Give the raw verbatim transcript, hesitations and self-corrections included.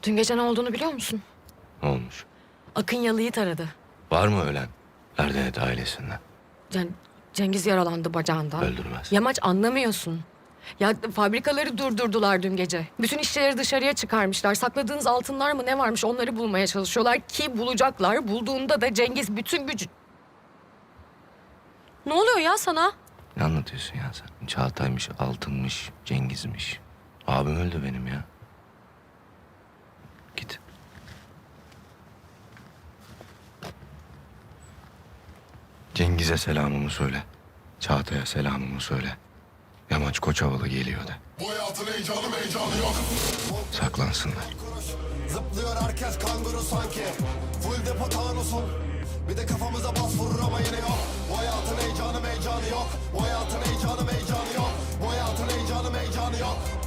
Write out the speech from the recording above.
Dün gece ne olduğunu biliyor musun? Ne olmuş? Akın Yalı'yı taradı. Var mı ölen? Erdenet ailesinden. Cen- Cengiz yaralandı bacağından. Öldürmez. Yamaç anlamıyorsun. Ya fabrikaları durdurdular dün gece. Bütün işçileri dışarıya çıkarmışlar. Sakladığınız altınlar mı ne varmış onları bulmaya çalışıyorlar ki bulacaklar. Bulduğunda da Cengiz bütün gücü... Ne oluyor ya sana? Ne anlatıyorsun ya sen? Çağatay'mış, Altın'mış, Cengiz'miş. Abim öldü benim ya. Git. Cengiz'e selamımı söyle. Çağatay'a selamımı söyle. Yamaç Koçovalı geliyor de. Bu hayatın heyecanı heyecanı yok. Saklansınlar. Zıplıyor herkes kanguru sanki. Full depo tanusun. Bir de kafamıza bas vurur ama yine yok. Bu hayatın heyecanı heyecanı yok. Bu hayatın heyecanı heyecanı yok. Bu hayatın heyecanı heyecanı yok.